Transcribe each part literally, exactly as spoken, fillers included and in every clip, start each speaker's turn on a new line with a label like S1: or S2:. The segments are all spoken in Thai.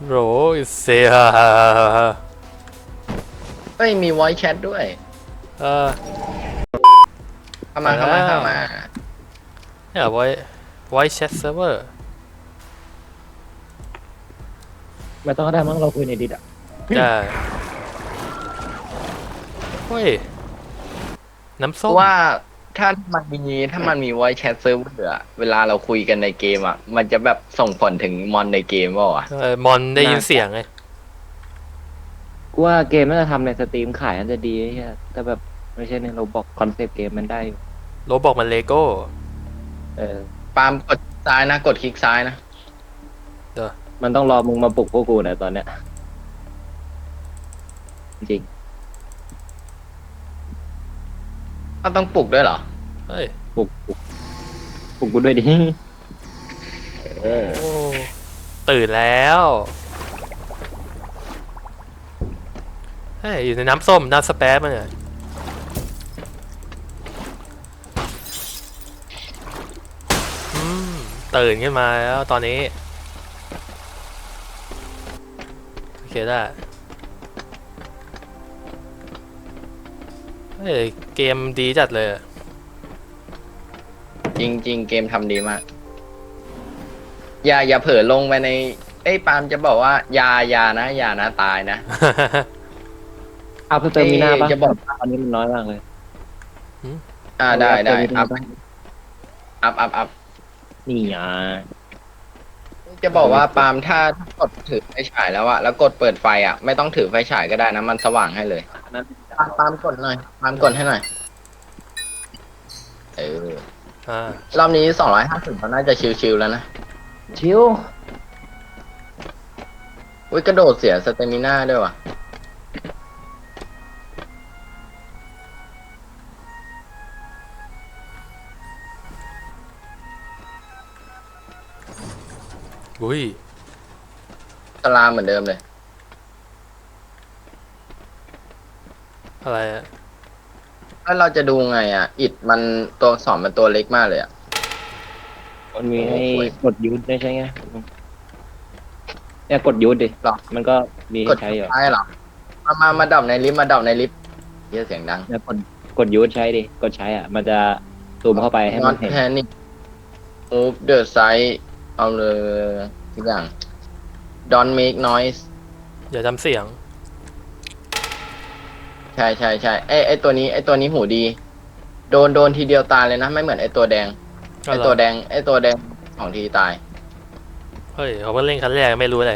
S1: โรเซีย
S2: เอ้ยมี voice chat ด้วย
S1: เออ
S2: เข้ามาเข้ามาเข้ามา
S1: เนี่ยไว้ไว้แชทเซิร์ฟเวอร์
S3: ไม่ต้องก็ได้มั้งเราคุยในดิสอ่ะ
S1: ได้เฮ้ยน้ำส้ม
S2: ว่าถ้ามันมีถ้ามันมี voice chat server อะเวลาเราคุยกันในเกมอ่ะมันจะแบบส่งผลถึงมอนในเกมเปล่าวะ
S1: เออมอนได้ยินเสียงไง
S3: กูว่าเกมน่าจะทำในสตรีมขายน่าจะดีไอ้เหี้ยแต่แบบไม่ใช่ในเราบอกคอนเซปต์เกมมันได้อยู่
S1: โรบอกมันเลโก้
S3: เออ
S2: ปาล์มกดซ้ายนะกดคลิกซ้ายนะ
S1: เด้อ
S3: มันต้องรอมึงมาปลุกพวกกูนะตอนเนี้ยจริง
S2: ก็ต้องปลุกด้วยเหรอ
S1: เฮ้ย
S3: ปลุกปลุกปลุกกูด้วยดิเออ
S1: โอ้ตื่นแล้วเฮ้ยอยู่ในน้ำส้มน้ำสเปซมันเนี่ยอืมตื่นขึ้นมาแล้วตอนนี้โอเคได้เฮ้ยเกมดีจัดเลย
S2: จริงจริงเกมทำดีมากอย่าอย่าเผลอลงไปในเอ้ยปาล์มจะบอกว่าอย่าอย่านะอย่านะตายนะ
S3: เอาเพิ่มเติมมีหน้าปะ
S2: จะบอก
S3: ตอนนี้มันน้อยมากเลย
S2: อ่าได้ได้อัพ
S3: ป
S2: อัพอัพอัพ
S3: นี่อ่ะ
S2: จะบอกว่าปาล์มถ้าถ้ากดถือไฟฉายแล้วอะแล้วกดเปิดไฟอะไม่ต้องถือไฟฉายก็ได้นะมันสว่างให้เลยปาล์มปาล์มกดหน่อยปาล์มกดให้หน่อยเออ
S1: อ่าร
S2: อบนี้สองร้อยห้าสิบก็น่าจะชิวๆแล้วนะ
S3: ชิว
S2: อุ้ยกระโดดเสียสเตมิน่าด้วยว่ะ
S1: อุ้ย
S2: สลามเหมือนเดิมเลย
S1: อะไรอะ
S2: แล้วเราจะดูไงอะอิดมันตัวสอนมันตัวเล็กมากเลยอะ
S3: มันมีให้กดยูทได้ใช่ไหมเนี่ยกดยูทดิมันก็มี
S2: กด
S3: ใช้อยู่
S2: ใช่หรอมามามาดับในลิฟต์มาดับในลิฟต์เยอะเสียงดัง
S3: เนี่ยกดกดยูทใช้ดิกดใช้อ่ะมันจะซูมเข้าไปให้มันเห็น
S2: แพนิค move the side เอาเลยทุกอย่าง don't make noise
S1: อย่าทำเสียง
S2: ใช่ใช่ใช่ไอไอตัวนี้ไอตัวนี้หูดี โดนโดนทีเดียวตายเลยนะไม่เหมือนไอตัวแดงไอตัวแดงไอตัวแดงสองทีตาย
S1: เฮ้ยเขาเพิ่งเล่นครั้งแรกไม่รู้เลย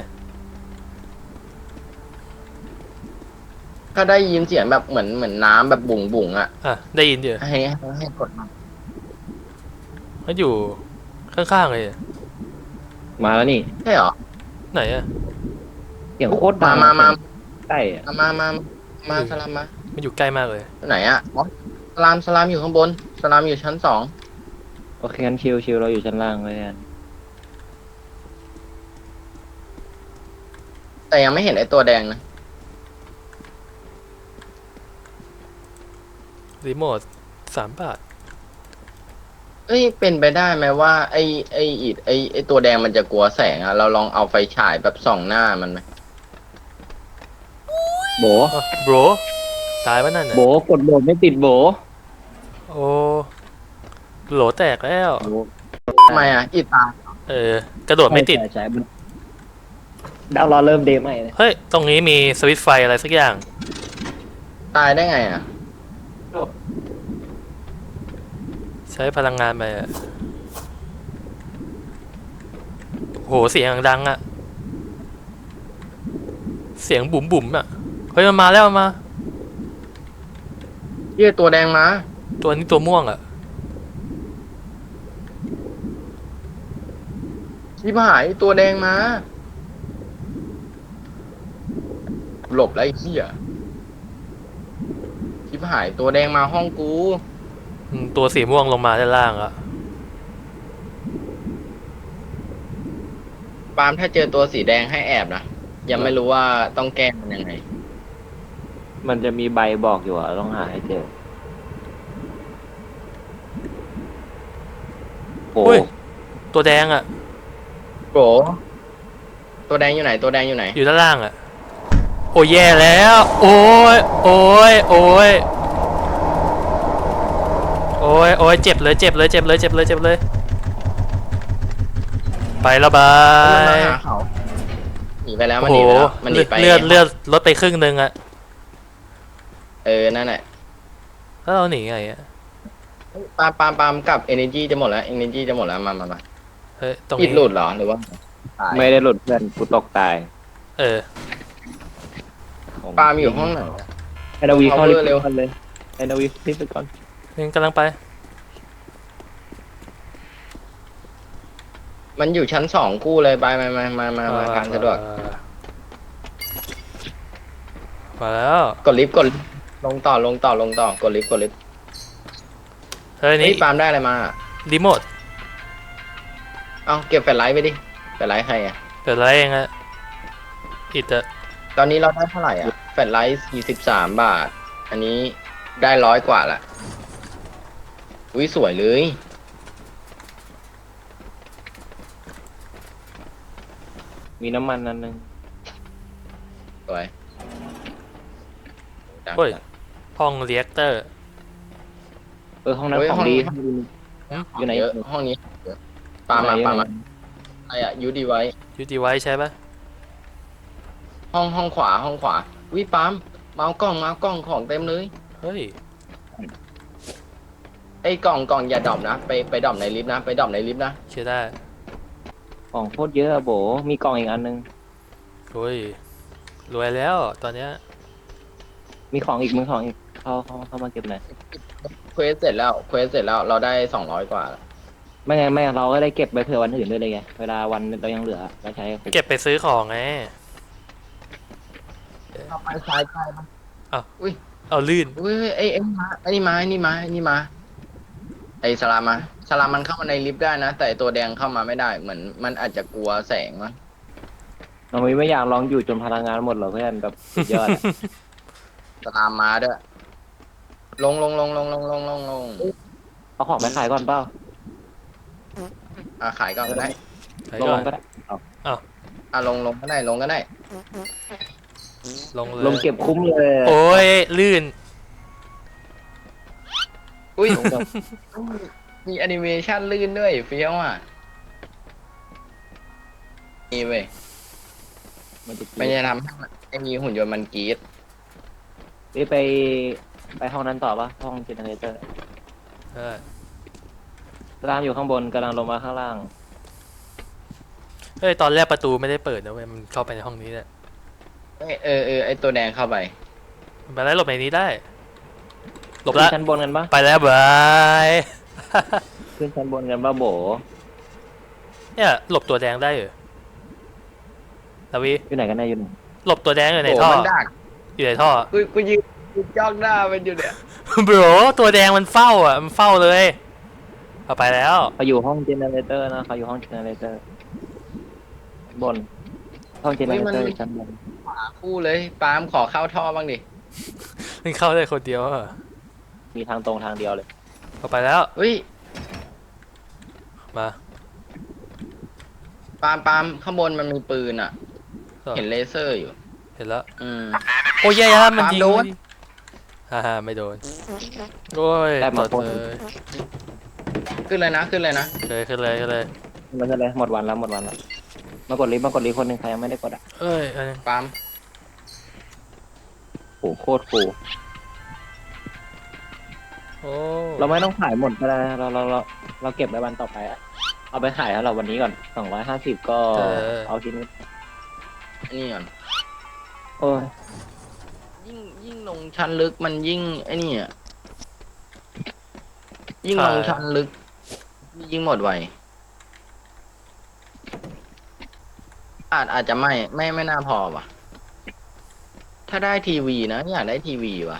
S2: ก็ได้ยินเสียงแบบเหมือนเหมือนน้ำแบบบุ๋งบุ๋งอ่ะ
S1: อ่ะได้ยินอยู่
S2: ให้ให้ให้กดมา
S1: เขาอยู่ข้างๆเลย
S3: มาแล้วนี่
S2: ใช่หรอ
S1: ไหนอะ
S3: เสียงโคตร
S2: มา
S3: ดัง
S2: มามา
S3: ใช่อะ
S2: มามามาสลามมา
S1: มันอยู่ใกล้มากเลย
S2: ไหนอะสลามสลามอยู่ข้างบนสลามอยู่ชั้นสอง
S3: โอเคงั้นชิวชิวเราอยู่ชั้นล่างเลยกัน
S2: แต่ยังไม่เห็นไอตัวแดงนะ
S1: รีโมทสามบาท
S2: เอ้ยเป็นไปได้ไหมว่าไอไออิดไอไอตัวแดงมันจะกลัวแสงอะเราลองเอาไฟฉายแบบส่องหน้ามันไหม
S3: โบ
S1: โบรตายปะนั่นน่ะ
S3: โบกดโบไม่ติดโบ
S1: โอ้โหลแตกแล้ว
S2: ทำไมอะอิดตาย
S1: เออกระโดดไม่ติด
S3: ใช่ใช่มันดาวรอเริ่มเดย์ใหม่เลย
S1: เฮ้ยตรงนี้มีสวิตช์ไฟอะไรสักอย่าง
S2: ตายได้ไงอะ
S1: ใช้พลังงานไปอะโหเสียงดังอะเสียงบุ๋มบุ๋มอะเฮ้ยมันมาแล้วมา
S2: เยี่ยตัวแดงมา
S1: ตัวนี้ตัวม่วงอะ
S2: ชิบหายตัวแดงมาหลบแล้วไอ้เหี้ยชิบหายตัวแดงมาห้องกู
S1: ตัวสีม่วงลงมาด้านล่างอะ
S2: ปาล์มถ้าเจอตัวสีแดงให้แอบนะยังไม่รู้ว่าต้องแก้มันยังไง
S3: มันจะมีใบบอกอยู่อ่ะต้องหาให้เจอ
S1: โอ้ยตัวแดงอะ
S2: โกตัวแดงอยู่ไหนตัวแดงอยู่ไหน
S1: อยู่ด้านล่างอ่ะโอ้ยแย่แล้วโอ้ยโอ้ยโอ้ยโอ้ยโอ้ยเจ็บเลยเจ็บเลยเจ็บเลยเจ็บเลยเจ็บเลยไปแล้วบา
S2: มันมาย หาเขาหนีไปแล้วมัน
S1: โอ้
S2: ห
S1: โห
S2: นีไปแล้วมันหนีไป
S1: เลือดเลือดลดไปครึ่งนึงอะ
S2: เออนั่นแหละ
S1: แล้วเราหนีไงอะ
S2: ปาล์มปาล์มปาล์มกับ energy จะหมดแล้ว energy จะหมดแล้วมามามา
S1: เฮ้ยตรง
S2: อิด
S1: นี้
S2: หลุดเหรอหรือว่าตาย
S3: ไม่ได้หลุดเพื่อนกูตกตาย
S1: เออ
S2: ปาล์มอยู่ห้องไหน
S3: ไอ้ดาวีเข้าลิฟ
S2: Power
S3: ต์
S2: เร็ว
S3: ก่อนเลยไอ้ดาวีลิฟต์ไปก่อน
S1: นี่กำลังไป
S2: มันอยู่ชั้นสองกู้เลยไปมามามามามาทางสะดวก
S1: มาแล้ว
S2: กดลิฟต์กดลงต่อลงต่อลงต่อกดลิฟต์กดลิฟต์
S1: เฮ้ย
S2: นี่
S1: นี่
S2: ปาล์มได้อะไรมา
S1: รีโมท
S2: เอาเก็บแฟลชไลท์ไปดิแฟลชไลท์ใครอ่ะ
S1: เปิดไรเองอะอิดอะ
S2: ตอนนี้เราได้เท่าไหร่อ่ะแฟลชไลท์สี่สิบสามบาท อันนี้ได้ร้อยกว่าละอุ้ยสวยเลย
S3: มีน้ำมันนั่นนึง
S2: สวยจัง
S1: โอ้ยห้องเรียกเตอร์
S3: เออห้องนั้น
S2: เฮ้ย
S3: ของ
S2: ห้อง
S3: ดี
S2: นี้
S3: อยู่ไหน
S2: เยอะห้องนี้เยอะปาล์มมาปาล์มมาอะไรอ่ะยูดีไว้
S1: ยูดีไว้ใช่ปะ
S2: ห้องห้องขวาห้องขวาวิปาล์มมาเอากล้องมาเอากล้องของเต็มเลย
S1: เฮ้ย
S2: ไอ้กล่องกล่องอย่าดรอปนะไปไปดรอปในลิฟต์นะไปดรอปในลิฟต์นะ
S1: เชื่อได้
S3: ของโคตรเยอะอะโบมีกล่องอีกอันนึง
S1: โอ้ยรวยแล้วตอนเนี้ย
S3: มีของอีกมีของอีกเข้าเข้าเข้ามาเก็บหน่อย
S2: เควสเสร็จแล้วเควสเสร็จแล้วเราได้สองร้อยกว่าแล้ว
S3: ไม่งั้นไม่งั้นเราก็ได้เก็บไปเผื่อวันอื่นด้วยเลยไงเวลาวันเรายังเหลือเราใช้
S1: เก็บไปซื้อของไง
S2: เอาไปซ้ายใกล้ปะ
S1: เอาลื่น
S2: อุ้ยไอ้ไอ้นี่มาไอ้นี่มาไอ้นี่มาไอ้นี่มาไอ้สลามมาสลามมันเข้ามาในลิฟต์ได้นะแต่ไอ้ตัวแดงเข้ามาไม่ได้เหมือนมันอาจจะกลัวแสงมั้ง
S3: เราไม่อยากลองอยู่จนพลังงานหมดหรอกเพื่อนแบบสุดยอดอะ
S2: สลามมาด้วยลงลงลงลงลงลงลงลง
S3: เอาของไปขายก่อนเปล่า
S2: อ่ะขายก่อนก็ได้
S1: ไป
S3: ลง
S1: ก่อน
S3: ก็ได้เอา
S2: อ่ะลงลงก็ได้ลงก็ได้
S1: ลงเลย
S3: ลงเก็บคุ้มเลย
S1: โอ้ยลื่น
S2: อุ้ย
S3: ลงก่อน
S2: มีแอนิเมชันลื่นด้วยเฟี้ยวอ่ะนี่เว้ย
S3: มันจะ
S2: ไม่ได้ทำให้มันไอ้มีหุ่นยนต์มันกรีด
S3: นี่ไปไปห้องนั้นต่อปะห้องเจเนเรเตอร์
S1: เออ
S3: สตาร์อยู่ข้างบนกำลังลงมาข้างล่าง
S1: เฮ้ยตอนแรกประตูไม่ได้เปิดนะเว้ยมันเข้าไปในห้องนี้แหละ
S2: เอ้ยเออเออไอตัวแดงเข้าไป
S1: มันไปแล้วหลบในนี้ได้หลบ
S3: ขึ้
S1: ละ
S3: นชั้นบนกันปะ
S1: ไปแล้วบาย
S3: ขึ้นชั้นบนกันปะโบ
S1: เนี่ยหลบตัวแดงได้เหรอลาวี
S3: อยู่ไหนกันแน่อยู่ไหน
S1: หลบตัวแดงอยู่ใน
S2: โอ้
S1: ท่อ
S2: มันดัก
S1: อยู่ในท่อ
S2: กูกูยืนกูจ้องหน้ามันอยู่เนี่ย
S1: บรตัวแดงมันเฝ้าอ่ะมันเฝ้าเลยเอาไปแล้ว
S3: เขาอยู่ห้องเจเนเรเตอร์นะเขาอยู่ห้องเจเนเรเตอร์บนห้องเจเนเรเตอร์ชั้นบน
S2: หาคู่เลยปาล์มขอเข้าท่อบ้างดิ
S1: มันเข้าได้คนเดียวอะ
S3: มีทางตรงทางเดียวเลย
S1: เอาไปแล้ว
S2: เฮ้ย
S1: มา
S2: ปาล์มปาล์มข้างบนมันมีปืนอ่ะ เห็นเลเซอร์อยู่
S1: เห็นแล้ว
S2: อืม
S1: โอ้ยแย่แล้วมันยิง
S2: โดน
S1: ฮ่าฮ่าไม่โดนโอ้ย
S3: ได้หม
S1: ต่อ
S3: ด
S1: เลย
S2: ขึ้นเลยนะขึ้นเลยนะ
S1: เลยขึ้นเลยขึ้นเลย
S3: มันจะเลยหมดวันแล้วหมดวันแล้วมากดลิฟต์มากดลิฟต์คนหนึ่งใครยังไม่ได้กดอ่ะ
S1: เอ้ยอันนึง
S2: ปาล์ม
S3: โอ้โหโคตรฟู
S1: โอ้
S3: เราไม่ต้องขายหมดก็ได้นะเราเราเราเราเก็บไว้วันต่อไปอะเอาไปขายแล้วเราวันนี้ก่อนสองร้อยห้าสิบก็เอาทีนี้
S2: อันนี่ก่อน
S3: โอ้ย
S2: ยิ่งยิ่งลงชั้นลึกมันยิ่งไอ้นี่อ่ะยิ่งลงชั้นลึก ยิ่งหมดไวอาจอาจจะไม่ไม่ไม่น่าพอว่ะ ถ้าได้ทีวีนะอยากได้ทีวีว่ะ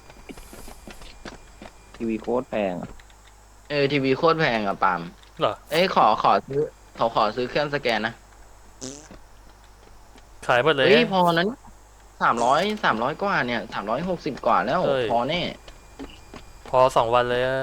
S3: ทีวีโคตรแพงอะ
S2: เออทีวีโคตรแพงอ่ะปาล์ม
S1: เหรอ
S2: เอ้ยขอขอซื้อเขาขอซื้อเครื่องสแกนนะ
S1: ขายหมดเลย
S2: เฮ้ยพอนั้นสามร้อยสามร้อยกว่าเนี่ยสามร้อยหกสิบกว่าแล้ว
S1: เอ้ย
S2: พอแน่
S1: พอสองวันเลยอะ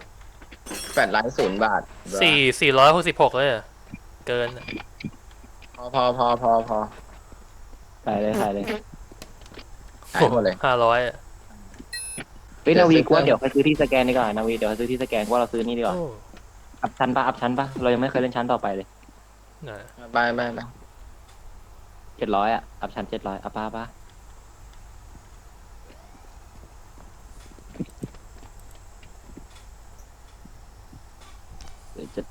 S2: แปดล้านศูนย์บาท
S1: สี่สี่ร้อยหกสิบหกเลยอะเกินอะ
S2: พอพอพอพอพอ
S3: ขายเลยขายเลย
S2: หายหมดเลย
S1: ห้าร้อย
S3: เฮ้ย
S2: เดี๋ย
S3: นาว วี
S2: ซื้อ
S3: กูว่า
S2: เครื่อง
S3: เดี๋ยวไปซื้อที่สแกนดีกว่านาวีเดี๋ยวไปซื้อที่สแกนกูว่าเราซื้อนี่ดีกว่า
S1: โอ้
S3: อัพชั้นปะอัพชั้นปะเรายังไม่เคยเล่นชั้นต่อไปเลย
S1: ไหน
S2: ไปไปไป
S3: เจ็ดร้อยอ่ะอัพชั้นเจ็ดร้อยอัพปะปะเดี๋ยวจะ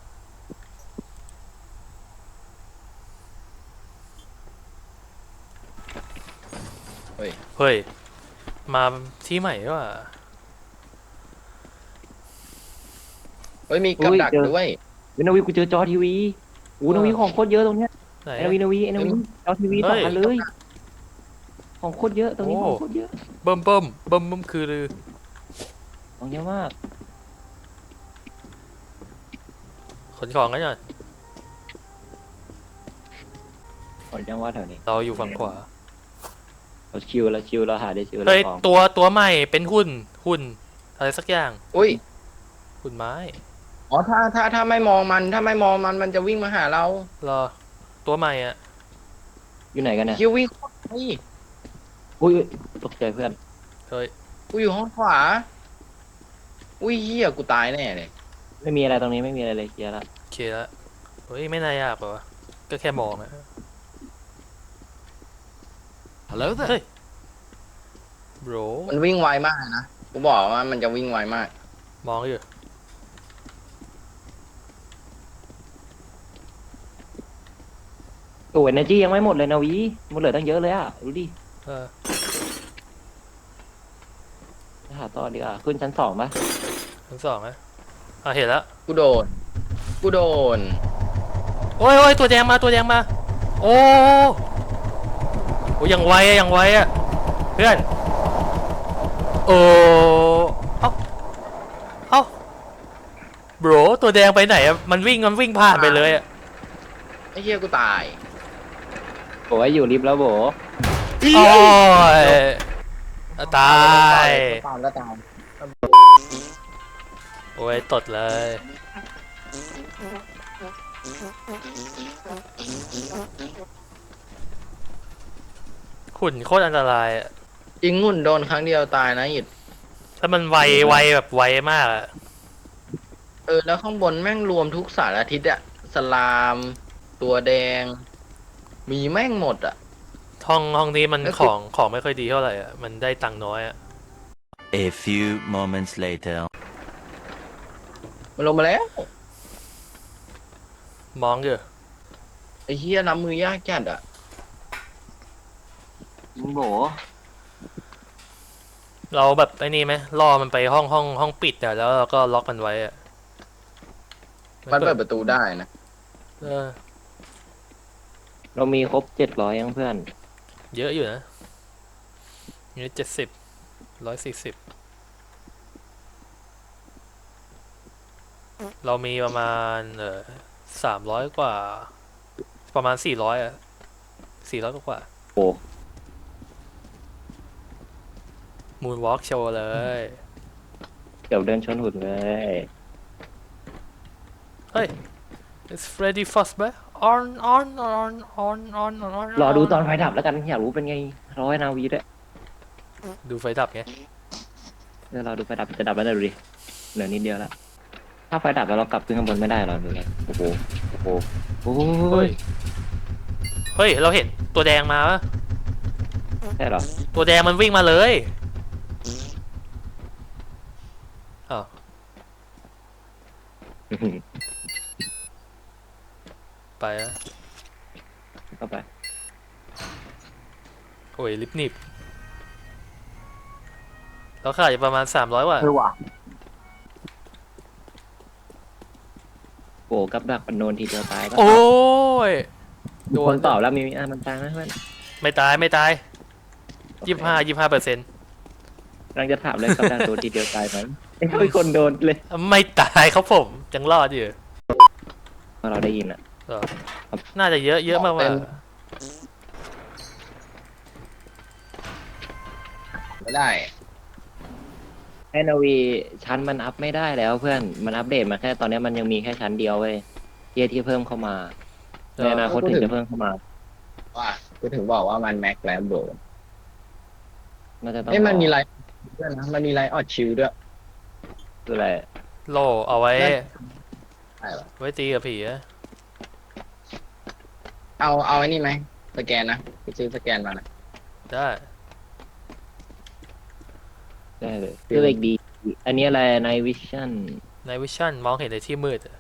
S1: เฮ้ย มาที่ใหม่ว่ะ
S2: เฮ้ยมีกับดักด้วย
S3: เฮ้ยนาวีกูเจอจอทีวีโอ้นาวีของโคตรเยอะตรงเนี้ย
S1: ไหน
S3: ไอ้นาวีนาวีไอ้นาวีจอทีวี
S1: เฮ้
S3: สอง
S1: ย
S3: อันเลย ของโคตรเยอะตรงนี้
S1: โอ้
S3: ของโคตรเยอะ
S1: เบิ่มเบิ่มเบิ่มเบิ่มคือลือ
S3: ของเยอะมาก
S1: ขนของกันหน่อย
S3: ของจังหวัดแถวนี้
S1: เราอยู่ฝั่งขวา
S3: เราชิวเราชิวเราหาได้ชิวเรา
S1: เฮ้ย
S3: ของ
S1: ตัวตัวใหม่เป็นหุ่นหุ่นอะไรสักอย่าง
S2: อุ้ย
S1: หุ่นไม้
S2: อ๋อถ้าถ้าถ้าไม่มองมันถ้าไม่มองมันมันจะวิ่งมาหาเรา
S1: รอตัวใหม่อ่ะ
S3: อยู่ไหนกันเนี่ย
S2: คิววิ่งนี่
S3: อุ้ยอุ๊ยตกใจเพื่อน
S1: เฮ้ย
S2: กูอยู่ห้องขวาอุ้ยเฮียกูตายแน่เลย
S3: ไม่มีอะไรตรงนี้ไม่มีอะไรเลยเคลียร์ละ
S1: โอเคแล้วเฮ้ย ไม่น่ายากหรอวะก็แค่มองอะ
S4: Hello
S1: เฮ้
S4: there.
S1: ยโบร
S2: มันวิ่งไวมากเลยนะกูบอกว่ามันจะวิ่งไวมาก
S1: มองอยู่
S3: โอ้ยเนจียังไม่หมดเลยนาวีมันเหลือตั้งเยอะเลยอ่ะดูดิ
S1: เออ
S3: ไปหาต่อดีกว่าขึ้นชั้นสองปะ
S1: ทั้งสองนะอ่ะเห็นแล้ว
S2: กูโดนกูโดน
S1: โอ้ยโอ้ยตัวแดงมาตัวแดงมา โอ้โอ้ยยังไวอะยังไวอะเพื่อนโอ้เอ้าเอ้าโบรตัวแดงไปไหนอะมันวิ่งมันวิ่งผ่านไปเลยอะ
S2: ไอ้เฮียกูตาย
S3: โอ้ยอยู่ลิฟต์แล้วโบ
S1: โอ้ยตาย
S2: ตามก็ตาม
S1: โอ้ยตดเลย หุ่นโคตรอันตรายอะ
S2: จริงหุ่นโดนครั้งเดียวตายนะอิด
S1: ถ้ามันไวไวแบบไวมากอะ
S2: เออแล้วข้างบนแม่งรวมทุกสารทิศอะสลาม ตัวแดง มีแม่งหมดอะ
S1: ห้องห้องนี้มัน
S2: แล้ว
S1: ข
S2: คือ
S1: องของไม่ค่อยดีเท่าไหร่อะมันได้ตังค์น้อยอะ
S4: A few moments later.
S2: มันลงมาแล้ว
S1: มองอยู่
S2: ไอ้เฮียน้ำมือยากจัดอะ
S3: โบ
S1: เราแบบไอ้นี่ไหมล่อมันไปห้องห้องห้องปิดอะแล้วเราก็ล็อกมันไว้อะ
S2: มันเปิดประตูได้นะ
S1: เออ
S3: เรามีครบเจ็ดร้อยยังเพื่อน
S1: เยอะอยู่นะนี่เจ็ดสิบร้อยสี่สิบเรามีประมาณเออสามร้อยกว่า ประมาณสี่ร้อยอะสี่ร้อยกว่า
S3: โอ้
S1: มูนวอล์กโชว์เลย
S3: เดี๋ยวเดินชนหุ่นเลย
S1: เฮ้ย it's Freddy Fazbear on on on on on on
S3: รอดูตอนไฟดับแล้วกันอยากรู้เป็นไงร้อยนาวีด้วย
S1: ดูไฟดับไง
S3: เดี๋ยวเราดูไฟดับจะดับแล้วนะดูดิเหลือนิดเดียวละถ้าไฟดับแล้วเรากลับขึ้นข้างบนไม่ได้หรอดูเลยโอ้โหโอ้โหโอ้
S1: เฮ้
S3: ย
S1: ย เฮ้ย เราเห็นตัวแดงมาปะ
S3: ใช่เหรอ
S1: ตัวแดงมันวิ่งมาเลยอ้าวไปอะ
S3: เข้าไป
S1: โอ้ย ลิฟต์หนิบเราขายอยู่ประมาณสามร้อยว่ะ
S2: คือว่ะ
S3: โอ้กับดักปันโนนทีเดียวตายปะ
S1: โอ้ย
S3: มีคนตอบแล้วมีอ่ะมันตายไหมเพื่อน
S1: ไม่ตายไม่ตายยี่สิบห้ายี่สิบห้าเปอร์เซ็นต์
S3: กำลังจะถามเลยกับดักโดนทีเดียวตายไหมเอ้ยมีคนโดนเลย
S1: ไม่ตายครับผมยังรอดอยู่
S3: พอเราได้ยินอ่ะ
S1: เออน่าจะเยอะเยอะมากกว่า
S2: ไม่ได้
S3: ไอ้นาวีชั้นมันอัพไม่ได้แล้วเพื่อนมันอัปเดตมาแค่ตอนนี้มันยังมีแค่ชั้นเดียวเว้ยเทียที่เพิ่มเข้ามาในอนาคตถึงจะเพิ่มเข้ามา
S2: ว่ากูถึงบอกว่ามันแม็กแล้วโบ
S3: น่าจะต้อง
S2: เอ้ยมันมีไลท์ด้วยนะมันมีไลท์ออดชิลด้วย
S3: คืออะไร
S1: โลเอาไว้
S2: ใช่ปะ
S1: ไว้ตีกับผีอะ
S2: เอาเอาไอ้นี่ไหมสแกนนะไปซื้อสแกนมานะ
S1: ได้
S3: ได้เลยคืออีกดี อันนี้อะไรในวิชั่น
S1: ในวิชั่นมองเห็นในที่มืดอะ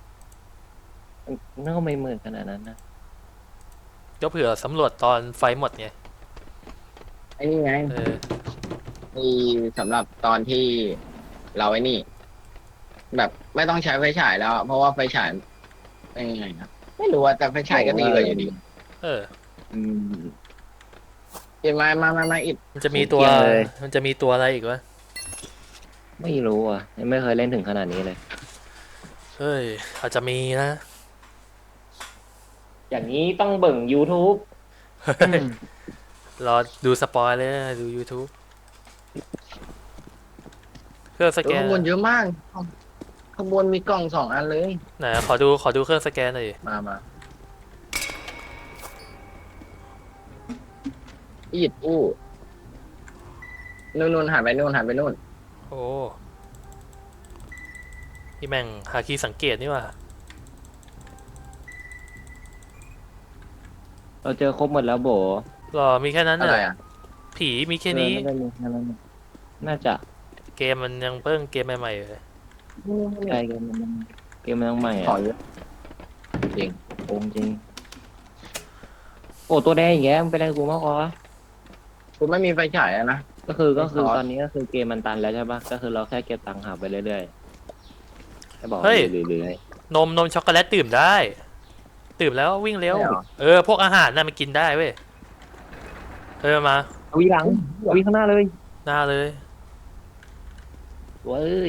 S3: น่าก็ไม่เหมือนขนาดนั้นนะ
S1: ก็เผื่อสำรวจตอนไฟหมดไง
S2: ไอ้นี่ไง
S1: เออ
S2: มีสำหรับตอนที่เราไอ้นี่ แบบไม่ต้องใช้ไฟฉายแล้วอะเพราะว่าไฟฉายเป็นยังไงนะไม่รู้ว่าแต่ไฟฉายก็ดีกว่าอยู่ดี
S1: เออ
S3: อืม
S2: เห็นไหมมามามาอิด
S1: มันจะมีตัว
S3: เกลียดเลย
S1: มันจะมีตัวอะไรอีกวะ
S3: ไม่รู้อ่ะยังไม่เคยเล่นถึงขนาดนี้เลย
S1: เฮ้ยอาจจะมีนะ
S3: อย่างนี้ต้องเบิ่ง YouTube
S1: เฮ้ยรอดูสปอยเลยนะดู YouTube เครื่องสแกน
S2: ข้างบนเยอะมากข้างบนมีกล่องสองอันเลย
S1: ไหนขอดูขอดูเครื่องสแกนหน่อยดิ
S2: มามาอิดอู้นู่นนู่นหันไปนู่นหันไปนู่น
S1: โอ้พี่แม่งหาคีย์สังเกตนี่ว่ะ
S3: เราเจอครบหมดแล้วโบ
S1: หรอมีแค่นั้น
S2: อะไร
S1: น่ะ
S2: อ่ะ
S1: ผีมีแค่นี้
S3: เออน่าจะมีแค่นั้นน่าจะ
S1: เกมมันยังเพิ่งเกมใหม่ๆเลย
S3: ใช่เกมมันเกมมันยังใหม่
S2: ขอ
S3: อ่ะ
S2: เยอะจริง
S3: โอ้จริง โอ้ตัวแดงอย่างเงี้ยมันเป็นอะไรกับกูมากกว่า
S2: คุณไม่มีไฟฉายอะนะ
S3: ก็คือก็คือ
S2: ซอส
S3: ตอนนี้ก็คือเกมมันตันแล้วใช่ปะก็คือเราแค่เก็บตังค์หาไปเรื่อยๆให้บอก
S1: เฮ้ย
S3: เรื่อย
S1: นมนมช็อกโกแลตดื่มได้ดื่มแล้ววิ่งเร็ว
S2: ใช่เหรอ
S1: เออพวกอาหารน่ะมันกินได้เว้ยเออมา
S3: ๆเอาวีหลังเอาวีข้างหน้าเลย
S1: หน้าเลย
S3: เว้ย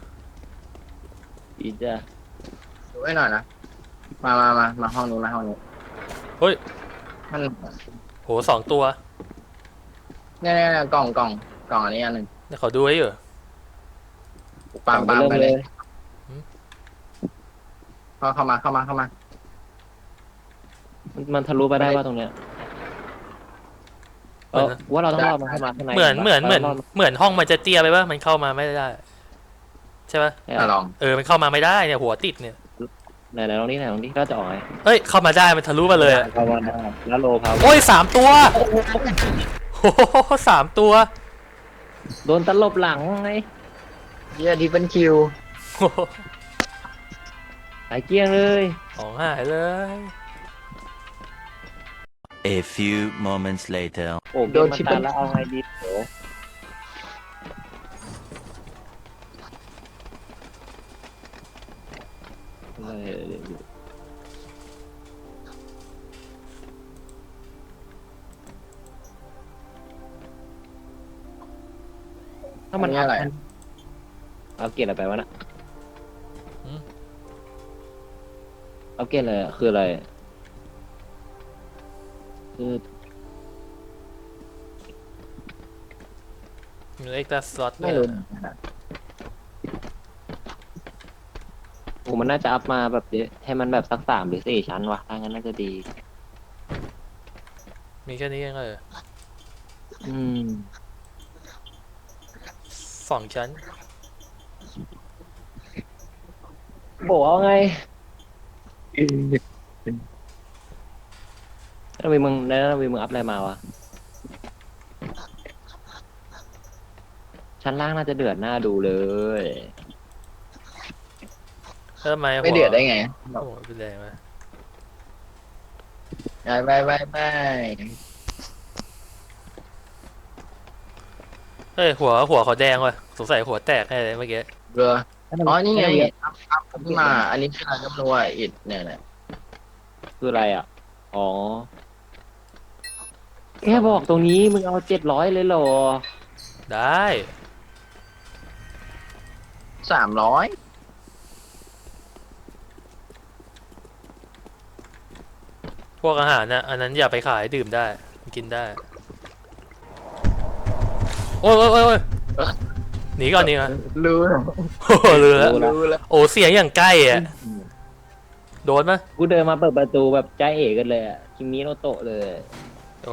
S3: อีจ้ะ
S2: ดูไว้หน่อยนะ มามามามาห้องนู้นมาห้องนู้น
S1: เฮ้ย
S2: มัน
S1: โหสองตัว
S2: เนี่ยเนี่ยเนี่ยกล่องกล่องกล่องอันนี้อันหนึ่ง
S1: เดี๋ยวขอดูไว้อยู่
S2: ปามปามไปเลย
S1: หืม
S2: เข้าเข้ามาเข้ามาเข้ามา
S3: มันมันทะลุไปได้ป่ะตรงเนี้ยเออว่าเราต้องรอดมันเข้ามาข้างใน
S1: เหมือนเหมือนเหมือน
S3: รารด
S1: เหมือนห้องมันจะเตี้ยไปปะมันเข้ามาไม่ได้ใช่ปะ
S3: เนี่ย
S2: อ่ะลอง
S1: เออมันเข้ามาไม่ได้เนี่ยหัวติดเนี่ย
S3: ไหนไหนลองนี่ไหนลองนี่ก็จะออกไง
S1: เฮ้ยเข้ามาได้มันทะลุมาเลยอะ
S3: เข้ามาได้แล้วโลพาว
S1: โอ้ยสามตัวโอ้โหสามตัว
S3: โดนตลบหลังไง
S2: เยี่ยที่เป็นคิว
S1: โอ้โห
S3: หายเกลี้ยงเลย
S1: ของหายเลย
S4: A few moments later.
S3: โอ้เกมมันตันแล้วเอาไงดีโหเออถ้ามัน
S2: อันนี้อะไร
S3: เอาเกรดอะไรไปวะน่ะเอาเกรดอะไรอะคืออะไรคือ
S1: มีเอ็กซ์ตร้าสล็อต
S2: ไม่รู้
S3: โอ้มันน่าจะอัพมาแบบเยอะให้มันแบบสักสามหรือสี่ชั้นวะถ้างั้นน่าจะดี
S1: มีแค่นี้เองเลย
S3: อืม
S1: สองชั้น
S3: บอกว่าไงแล้ววีมึงแล้ววีมึงอัพอะไรมาวะ ชั้นล่างน่าจะเดือดหน้าดูเลย
S1: แล้วทำไมหัว
S2: ไม่เดือดได้ไง
S1: โอ้โหเป็นแรงไหม
S2: ไปไปไปไป
S1: เฮ้ยหัวหัวเขาแดงว่ะสงสัยหัวแตกแน่เลยเมื่อกี้
S2: เรืออ๋อนี่ไงอัพอัพขึ้นมา อันนี้คืออะไรก็ไม่รู้อ่ะอิดเนี่ยแหละ
S3: คืออะไรอ่ะ อ๋อ แค่บอกตรงนี้มึงเอาเจ็ดร้อยเลยเหรอ
S1: ได้
S2: สามร้อย
S1: พวกอาหารนะอันนั้นอย่าไปขายดื่มได้กินได้ โอ้ยโอ้ยโอ้ยโอ้ยหนีก่อนหนีก่อน
S2: รู้แล้ว
S1: โอ้โหเรือ
S3: รู้แล้ว
S2: รู้แล้ว
S1: โอ้เสียงอย่างใกล้อ่ะโดนไหม
S3: กูเดินมาเปิดประตูแบบใจเอ๋กันเลยอะคิมิโนโตะเลย
S1: โอ้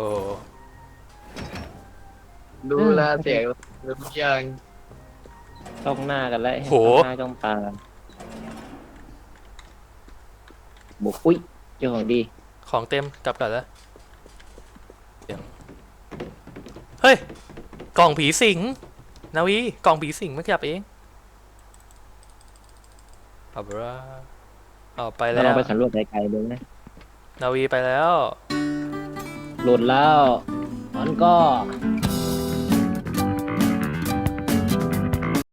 S2: ดูแลเสียงรู้ยัง
S3: จ้องหน้ากันแล้ว
S1: โห
S3: จ้องหน้าจ้องตากันบุกอุ้ยเจ้าของดี
S1: ของเต็มกลับก่อนแล้วเสียงเฮ้ย กล่องผีสิงนาวีกล่องผีสิงมันขยับเองเอาบราเอาไป
S3: เรา
S1: แล้
S3: ลอง
S1: ว
S3: ไปสำรวจไกลๆดูนะ
S1: นาวีไปแล้ว
S3: หลุดแล้วมันก็